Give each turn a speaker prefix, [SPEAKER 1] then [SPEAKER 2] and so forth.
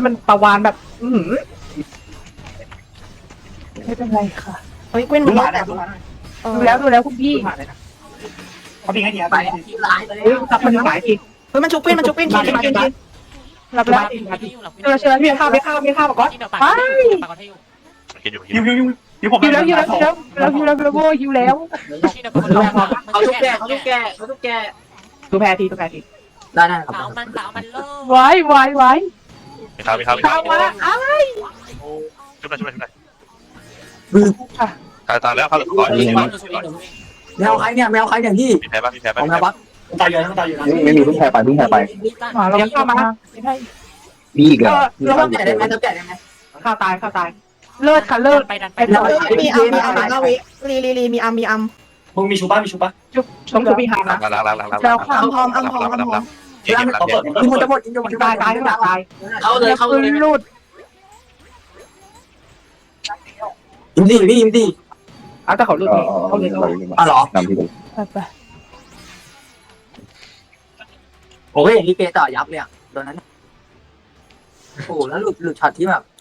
[SPEAKER 1] มันประวานแบบไม่เป็นไรค่ะเฮ้ยเว้น
[SPEAKER 2] ดู
[SPEAKER 1] มัน
[SPEAKER 2] หมาแล้วดูหมา
[SPEAKER 1] ดูแล้วคุณพี่
[SPEAKER 2] หมาเลยนะเขาพิงให้ดีนะ
[SPEAKER 3] ไป
[SPEAKER 2] ไป
[SPEAKER 3] ทีร้ายเลย
[SPEAKER 1] เฮ้ยจับมันหมายที
[SPEAKER 4] เฮ้ยมันชุบเป็นกินรับแล้ว
[SPEAKER 1] เชื่อพี่ข้าวมาก่อนไป
[SPEAKER 5] กินอยู่
[SPEAKER 2] ฮิวผม
[SPEAKER 1] ฮิวแล้วโว้ฮิวแล้ว
[SPEAKER 3] เขาทุกแก่
[SPEAKER 1] ดูแพ้ที
[SPEAKER 3] ได้ครับ
[SPEAKER 6] สาวมันเลิศ
[SPEAKER 1] ไว้
[SPEAKER 5] มีข้าว
[SPEAKER 1] ข้าวมาอ้าย
[SPEAKER 5] ชุบหน่อย
[SPEAKER 3] บึ้ง
[SPEAKER 5] ตายแล้วข้าวเหลือก่อน
[SPEAKER 3] แมวใครเนี่ยพี่
[SPEAKER 5] มีแพ้ป่ะ
[SPEAKER 3] ของแมวบัก
[SPEAKER 2] ตายเยอะตายเยอะ
[SPEAKER 7] ไม่มีเพิ่งแพ้ไป
[SPEAKER 1] เราข้าวมา
[SPEAKER 7] มีอีกเหรอ
[SPEAKER 3] เราต้องแก่ได้ไหมต้องแก่ได้ไหม
[SPEAKER 1] ข้าวตายเลิศค่ะเลิศ
[SPEAKER 6] ไปดันไป
[SPEAKER 4] มีอัมวิลีมีอัม
[SPEAKER 2] มึงมีชูป้ามีชูป้า
[SPEAKER 1] จุ๊บชมจุ๊บพี่หานะ
[SPEAKER 5] ล้าง
[SPEAKER 1] แล้วข้าว
[SPEAKER 5] เย็น
[SPEAKER 3] เขาเปิดกินหมดจะหมดกินจะหมด
[SPEAKER 1] ตายข้างหลังตาย
[SPEAKER 3] เข้าเลย
[SPEAKER 1] รูด
[SPEAKER 3] ยิมดี
[SPEAKER 1] เอาแต่เขารูดนี่เขาเลย
[SPEAKER 3] อ๋อเหรอน
[SPEAKER 7] ำที่ดู
[SPEAKER 1] ไป
[SPEAKER 3] โอ้ยอย่างนี้เปต่อยับเลยอ่ะตอนนั้นโอ้แล้วหลุดช็อตที่แบบ